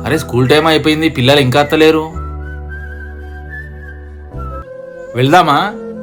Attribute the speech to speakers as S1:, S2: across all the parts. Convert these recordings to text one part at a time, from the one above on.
S1: అరే school time అయిపోయింది, పిల్లలు ఇంకా అత్తలేరు. వెళ్దామా?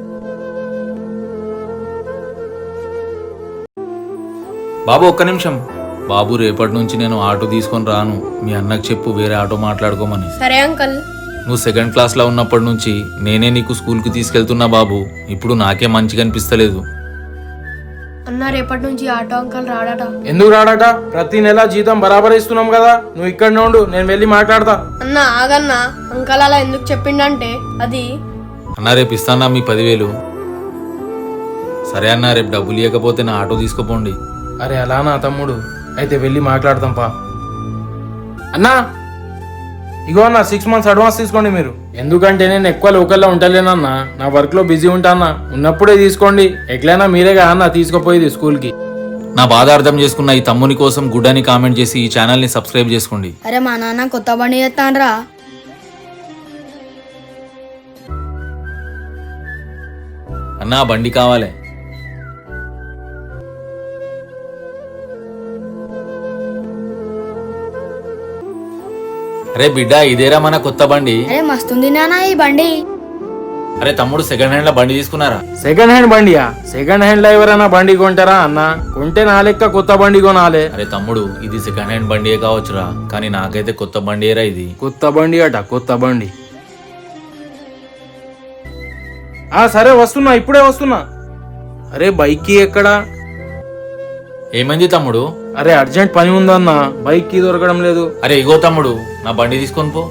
S1: బాబు ఒక్క నిమిషం. బాబు రేపటి నుంచి నేను ఆటో తీసుకొని రాను. మీ అన్నకు చెప్పు వేరే ఆటో మాట్లాడుకోమని.
S2: సరే అంకల్.
S1: నువ్వు సెకండ్ క్లాస్ లో ఉన్నప్పటి నుంచి నేనే నీకు స్కూల్ కి తీసుకెళ్తున్నా బాబు. ఇప్పుడు నాకే మంచిగా అనిపిస్తలేదు.
S2: అన్న రేపటి నుంచి ఆటో అంకల్ రాడట.
S3: ఎందుకు రాడట? ప్రతి నెల జీతం బరాబర్ ఇస్తున్నాం కదా. నువ్వు ఇక్కడ ఉండు, నేను వెళ్ళి మాట్లాడతా.
S2: అన్న ఆగన్నా, అంకల్ అలా ఎందుకు చెప్పిండంటే అది
S1: అన్నా రేపు ఇస్తానా మీ 10,000. సరే అన్నా, రేపు డబ్బులు ఇవ్వకపోతే నా ఆటో తీసుకుపోండి.
S3: అరే అలా నా తమ్ముడు, అయితే వెళ్ళి మాట్లాడతాం పా. అన్నా ఇగో అన్న 6 months అడ్వాన్స్ తీసుకోండి మీరు. ఎందుకంటే నేను ఎక్కువ లోకల్లో ఉంటలేనన్నా, నా వర్క్ లో బిజీ ఉంటానా. ఉన్నప్పుడే తీసుకోండి. ఎట్లయినా మీరేగా అన్న తీసుకుపోయేది స్కూల్ కి.
S1: నా బాధ అర్థం చేసుకున్న ఈ తమ్ముని కోసం గుడ్ అని కామెంట్ చేసి ఈ ఛానల్ ని సబ్స్క్రైబ్ చేసుకోండి.
S4: అరే మా నాన్న కొత్త బండి చేస్తానరా.
S1: అన్నా బండి కావాలి. అరే బిడ్డ ఇదేరా మన కొత్త బండి.
S4: అరే మస్తుంది నాన్న ఈ బండి.
S1: అరే తమ్ముడు సెకండ్ హ్యాండ్ లో బండి తీసుకున్నారా?
S3: సెకండ్ హ్యాండ్ బండియా? సెకండ్ హ్యాండ్ లో ఎవరైనా బండి కొంటారా అన్న? కొంటే నా లెక్క కొత్త బండి కొనాలే.
S1: అరే తమ్ముడు ఇది సెకండ్ హ్యాండ్ బండియే కావచ్చురా, కానీ నాకైతే కొత్త బండియేరా ఇది.
S3: కొత్త బండి అట, కొత్త బండి. సరే వస్తున్నా, ఇప్పుడే వస్తున్నా. అరే బైక్ కి ఎక్కడా?
S1: ఏమైంది తమ్ముడు?
S3: అరే అర్జెంట్ పని ఉందన్న, బైక్ కి దొరకడం లేదు.
S1: అరే ఇగో తమ్ముడు నా బండి తీసుకొని పో.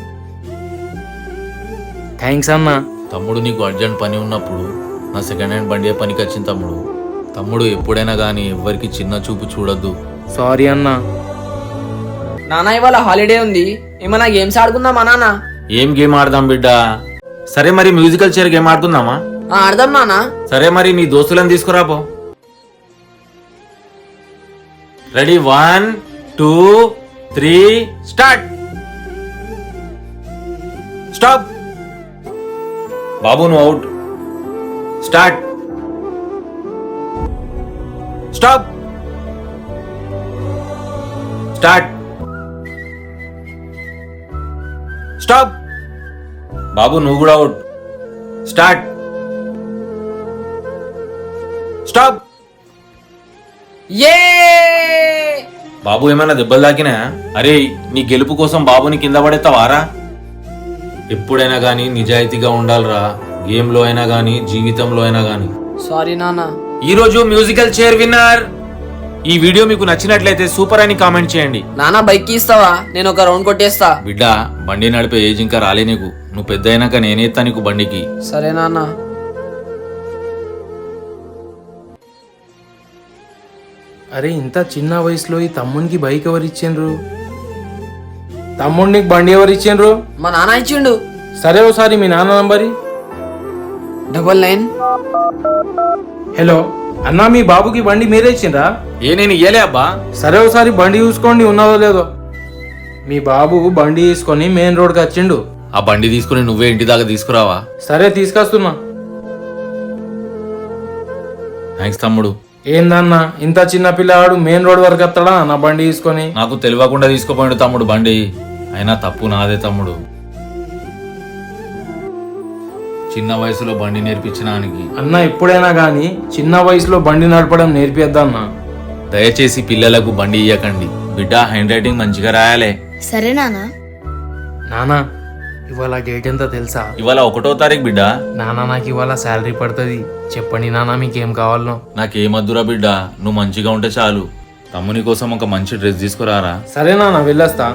S3: థ్యాంక్స్ అన్న.
S1: తమ్ముడు నీకు అర్జెంట్ పని ఉన్నప్పుడు నా సెకండ్ హ్యాండ్ బండి పనికి వచ్చింది తమ్ముడు. తమ్ముడు ఎప్పుడైనా గానీ ఎవ్వరికి చిన్న చూపు చూడొద్దు.
S3: సారీ అన్న.
S5: నాన్న ఇవాళ హాలిడే ఉంది, ఏమన్నా గేమ్స్ ఆడుకుందామా నాన్న?
S1: ఏం గేమ్ ఆడదాం బిడ్డ? సరే మరి మ్యూజికల్ చైర్ గేమ్ ఆడుకుందామా?
S5: ఆడదాం నాన్న.
S1: సరే మరి నీ దోస్తులను తీసుకురాపో. Ready 1 2 3 start. స్టాప్. బాబు నువ్వు out. Start. Stop. Start. Stop. బాబు నువ్వు కూడా అవుట్. స్టార్ట్. స్టాప్.
S5: ఏ
S1: బాబు ఏమైనా దెబ్బలు తాకినా? అరే నీ గెలుపు కోసం బాబుని కింద పడేస్తావారా? ఎప్పుడైనా గానీ నిజాయితీగా ఉండాలిరా. గేమ్ లో అయినా గానీ జీవితంలో అయినా గానీ.
S5: సారీ నాన్న.
S1: ఈ రోజు మ్యూజికల్ చైర్ విన్నర్. ఈ వీడియో మీకు నచ్చినట్లయితే సూపర్ అని కామెంట్ చేయండి.
S5: నాన్న బైక్ ఇస్తావా? నేను ఒక రౌండ్ కొట్టేస్తా.
S1: బిడ్డ బండి నడిపే ఏజ్ ఇంకా రాలే నీకు. నువ్వు పెద్ద అయినాక నేనేస్తా నీకు బండికి.
S5: సరే నాన్న.
S3: అరే ఇంత చిన్న వయసులో ఈ తమ్మునికి బైక్ ఎవరు ఇచ్చిండ్రు? తమ్ముడికి బండి ఎవరు ఇచ్చిండ్రు?
S5: మా నాన్న ఇచ్చిండు.
S3: సరే ఒకసారి మీ నాన్న నంబరి.
S5: 99.
S3: హలో అన్నా, మీ బాబుకి బండి మీరే ఇచ్చిండ్రా?
S1: నేను ఇయ్యలే అబ్బా.
S3: సరే ఒకసారి బండి చూసుకోండి ఉన్నదో లేదో. మీ బాబు బండి తీసుకొని మెయిన్ రోడ్కి వచ్చిండు.
S1: ఆ బండి తీసుకుని నువ్వే ఇంటి దాకా తీసుకురావా?
S3: సరే తీసుకొస్తున్నా.
S1: థ్యాంక్స్ తమ్ముడు.
S3: ఏందన్నా ఇంత చిన్న పిల్లవాడు మెయిన్ రోడ్ వరకు వస్తాడా నా బండి తీసుకొని?
S1: నాకు తెలియకుండా తీసుకుపోయాడు తమ్ముడు బండి. అయినా తప్పు నాదే తమ్ముడు. చిన్న వయసులో బండి నేర్పించడానికి.
S3: అన్న ఎప్పుడైనా గానీ చిన్న వయసులో బండి నడపడం నేర్పియద్దన్నా.
S1: దయచేసి పిల్లలకు బండి ఇయ్యకండి. బిడ్డ హ్యాండ్ రైటింగ్ మంచిగా రాయాలే.
S4: సరే నాన్న.
S3: నానా ఇవాళ డేట్ ఎంత తెలుసా?
S1: ఇవాళ 1వ తారీఖు బిడ్డ.
S3: నానా నాకు ఇవాళ శాలరీ పడుతుంది. చెప్పండి నానా మీకేం కావాలనో.
S1: నాకేమద్దురా బిడ్డ, నువ్వు మంచిగా ఉంటే చాలు. తమ్ముని కోసం ఒక మంచి డ్రెస్ తీసుకురారా.
S3: సరే నాన్న వెళ్ళొస్తా.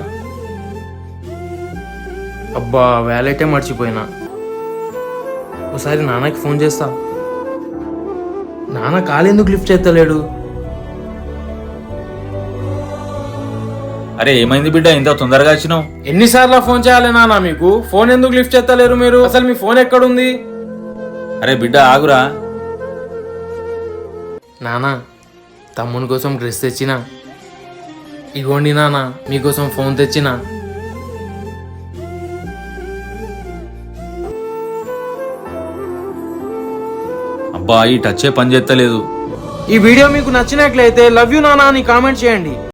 S3: అబ్బా వ్యాలెటే మర్చిపోయినా. ఒకసారి నాన్నకి ఫోన్ చేస్తా. నాన్న కాల్ ఎందుకు లిఫ్ట్ చేస్తలేడు?
S1: అరే ఏమైంది బిడ్డ ఇంత తొందరగా వచ్చినావు?
S3: ఎన్నిసార్లు ఫోన్ చేయాలి నాన్న మీకు? ఫోన్ ఎందుకు లిఫ్ట్ చేస్తలేరు మీరు? అసలు మీ ఫోన్ ఎక్కడుంది?
S1: అరే బిడ్డ ఆగురా.
S3: నానా తమ్ముని కోసం డ్రెస్ తెచ్చినా. ఇగోండి నాన్న మీకోసం ఫోన్ తెచ్చినా.
S1: అబ్బా ఈ టచ్చే పని చేస్తలేదు.
S3: ఈ వీడియో మీకు నచ్చినట్లయితే లవ్ యూ నానా అని కామెంట్ చేయండి.